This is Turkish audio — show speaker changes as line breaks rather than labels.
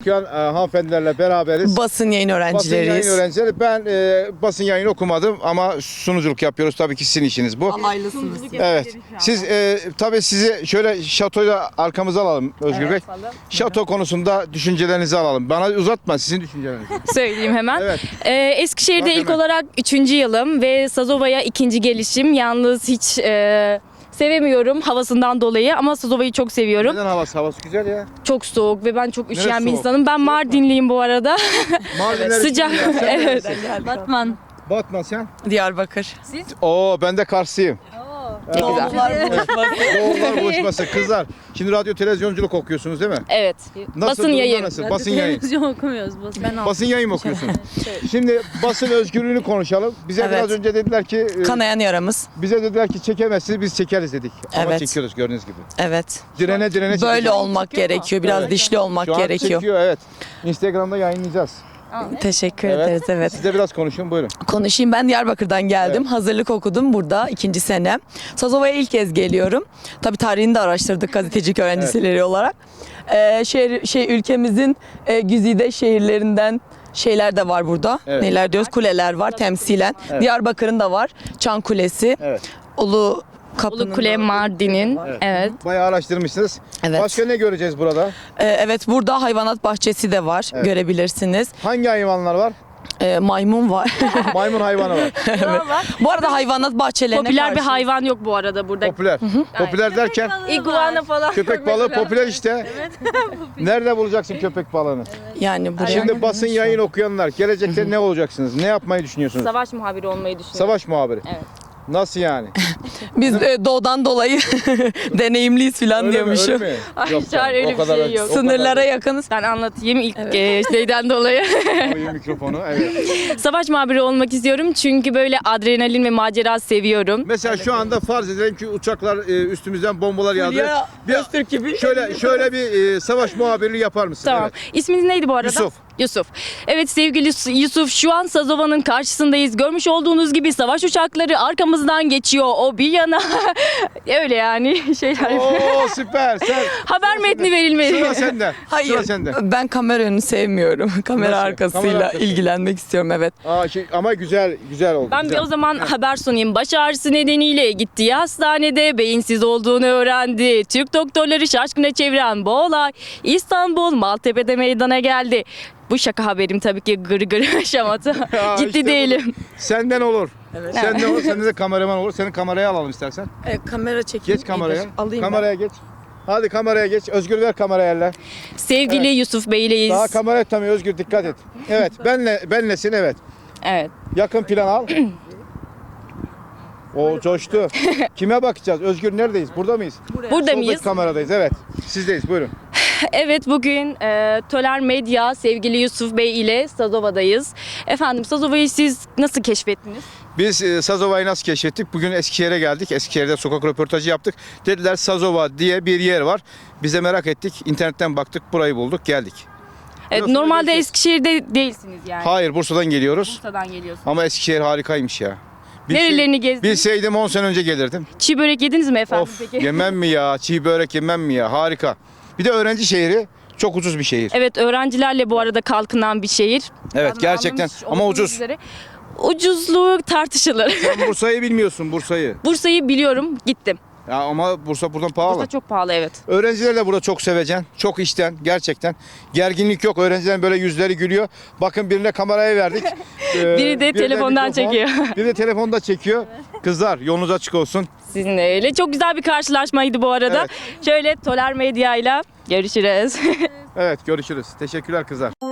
Şu an hanımefendilerle beraberiz.
Basın yayın
Basın
öğrencileriyiz.
yayın öğrencileri. Ben basın yayını okumadım ama sunuculuk yapıyoruz. Tabii ki sizin işiniz bu.
Alaylısınız.
Evet. Siz tabii sizi şöyle şatoyla arkamıza alalım Özgür Bey. Şato konusunda düşüncelerinizi alalım. Bana uzatma sizin düşüncelerinizi.
Söyleyeyim hemen.
Evet.
Eskişehir'de
Bak
ilk
hemen.
olarak 3. yılım ve Sazova'ya 2. gelişim. Yalnız hiç sevemiyorum havasından dolayı ama Sazova'yı çok seviyorum.
Neden havası? Havası güzel ya.
Çok soğuk ve ben çok üşüyen bir
soğuk?
insanım. Ben Mardinliyim bu arada.
Mardinler
Sıcak.
için ya. Sen
Evet.
neresin?
Batman.
Batman sen?
Diyarbakır.
Oo ben de Karslıyım.
Doğumlar buluşması.
Doğumlar buluşması. Kızlar. Şimdi radyo televizyonculuk okuyorsunuz değil mi?
Evet.
Nasıl,
Basın
durumlar
yayın.
Nasıl? Basın yayın.
Televizyon okumuyoruz.
Basın yayın mı okuyorsunuz? Şimdi basın özgürlüğünü konuşalım. Bize
Evet.
biraz önce dediler ki
Kanayan yaramız.
bize dediler ki çekemezsiniz biz çekeriz dedik. Ama
Evet.
çekiyoruz gördüğünüz gibi.
Evet.
Direne çekeceğiz.
Böyle olmak gerekiyor. Biraz dişli olmak
Şu an
gerekiyor.
çekiyor evet. Instagram'da yayınlayacağız.
Teşekkür ederiz. Evet.
Siz de biraz konuşun buyurun.
Konuşayım, ben Diyarbakır'dan geldim. Hazırlık okudum burada 2. senem. Sazova'ya ilk kez geliyorum. Tabii tarihini de araştırdık gazetecilik öğrencileri olarak. Ülkemizin güzide şehirlerinden şeyler de var burada.
Evet.
Neler diyoruz? Kuleler var temsilen. Diyarbakır'ın da var. Çan Kulesi.
Evet.
Ulu Kapı'nın
Ulu Kule
da-
Mardin'in. Evet.
Bayağı araştırmışsınız.
Evet.
Başka ne göreceğiz burada?
Evet, burada hayvanat bahçesi de var.
Evet.
Görebilirsiniz.
Hangi hayvanlar var?
Maymun var.
Maymun hayvanı var.
Bu arada hayvanat bahçelerine
Popüler bir
karşı-
hayvan yok bu arada burada.
Popüler. Popüler derken
İguana falan.
köpek balığı popüler işte. Nerede bulacaksın köpek balığını?
Yani buraya.
Şimdi basın yayın okuyanlar gelecekte ne olacaksınız? Ne yapmayı düşünüyorsunuz?
Savaş muhabiri olmayı düşünüyorum.
Savaş muhabiri.
Evet.
Nasıl yani?
Biz doğudan dolayı deneyimliyiz falan
Öyle mi?
diyormuşum.
Öyle mi?
Ay,
Yok
Çağrı, öyle bir şey yok.
Sınırlara yakınız.
Ben anlatayım ilk şeyden dolayı.
Koyayım mikrofonu. Evet.
Savaş muhabiri olmak istiyorum çünkü böyle adrenalin ve macera seviyorum.
Mesela şu anda farz edelim ki uçaklar üstümüzden bombalar yağdı.
Fulya
Bir-
Öztürk gibi.
Şöyle bir savaş muhabirliği yapar mısın?
Tamam.
Evet.
İsminiz neydi bu arada?
Yusuf.
Yusuf. Evet sevgili Yusuf, şu an Sazova'nın karşısındayız. Görmüş olduğunuz gibi savaş uçakları arkamızdan geçiyor. O bir yana. Öyle yani şeyler.
Oo süper. Sen
Haber metni verilmeli.
sıra sende.
Hayır.
Sıra sende.
Ben kamera önünü sevmiyorum. Kamera
Nasıl?
arkasıyla
Kamera arkası.
ilgilenmek istiyorum, evet.
Ama güzel oldu.
Ben
güzel.
bir o zaman haber sunayım. Baş ağrısı nedeniyle gittiği hastanede beyinsiz olduğunu öğrendi. Türk doktorları şaşkına çeviren bu olay İstanbul Maltepe'de meydana geldi. Bu şaka haberim tabii ki gır şamata.
Ya
Ciddi
işte
değilim.
budur. Senden olur.
Evet.
Senden olur. Sende de kameraman olur. Seni kameraya alalım istersen.
Kamera çekeyim.
Geç kameraya.
Alayım
Kameraya geç. Hadi kameraya geç. Özgür ver kameraya elle.
Sevgili Yusuf Bey'leyiz.
Daha kamera tutamıyor Özgür dikkat et. Evet benlesin evet.
Evet.
Yakın plan al. O coştu. Kime bakacağız? Özgür neredeyiz? Burada mıyız?
Burada mıyız?
Soldaki kameradayız evet. Sizdeyiz buyurun.
Evet bugün Töler Medya sevgili Yusuf Bey ile Sazova'dayız. Efendim Sazova'yı siz nasıl keşfettiniz?
Biz Sazova'yı nasıl keşfettik? Bugün Eskişehir'e geldik. Eskişehir'de sokak röportajı yaptık. Dediler Sazova diye bir yer var. Biz de merak ettik. İnternetten baktık. Burayı bulduk. Geldik.
Evet,
Burası
normalde
değil ki.
Eskişehir'de değilsiniz yani.
Hayır Bursa'dan geliyoruz.
Bursa'dan geliyorsunuz.
Ama Eskişehir harikaymış ya.
Nerelerini gezdiniz?
Bilseydim 10 sene önce gelirdim.
Çiğ börek yediniz mi efendim
Of
peki?
yemem mi ya? Çiğ börek yemem mi ya? Harika. Bir de öğrenci şehri. Çok ucuz bir şehir.
Evet öğrencilerle bu arada kalkınan bir şehir.
Evet
Ben
gerçekten
anlamış
ama
olduğunuz
ucuz.
üzere. Ucuzluğu tartışılır.
Sen Bursa'yı bilmiyorsun Bursa'yı.
Bursa'yı biliyorum gittim.
Ya ama Bursa buradan pahalı.
Bursa çok pahalı evet.
Öğrenciler de burada çok sevecen, çok işten gerçekten. Gerginlik yok. Öğrencilerin böyle yüzleri gülüyor. Bakın birine kamerayı verdik.
Biri de
birine
telefondan
mikrofon,
çekiyor.
Biri de telefonda çekiyor. Kızlar yolunuz açık olsun.
Sizinle öyle. Çok güzel bir karşılaşmaydı bu arada.
Evet.
Şöyle Töler Medya ile görüşürüz.
Evet görüşürüz. Teşekkürler kızlar.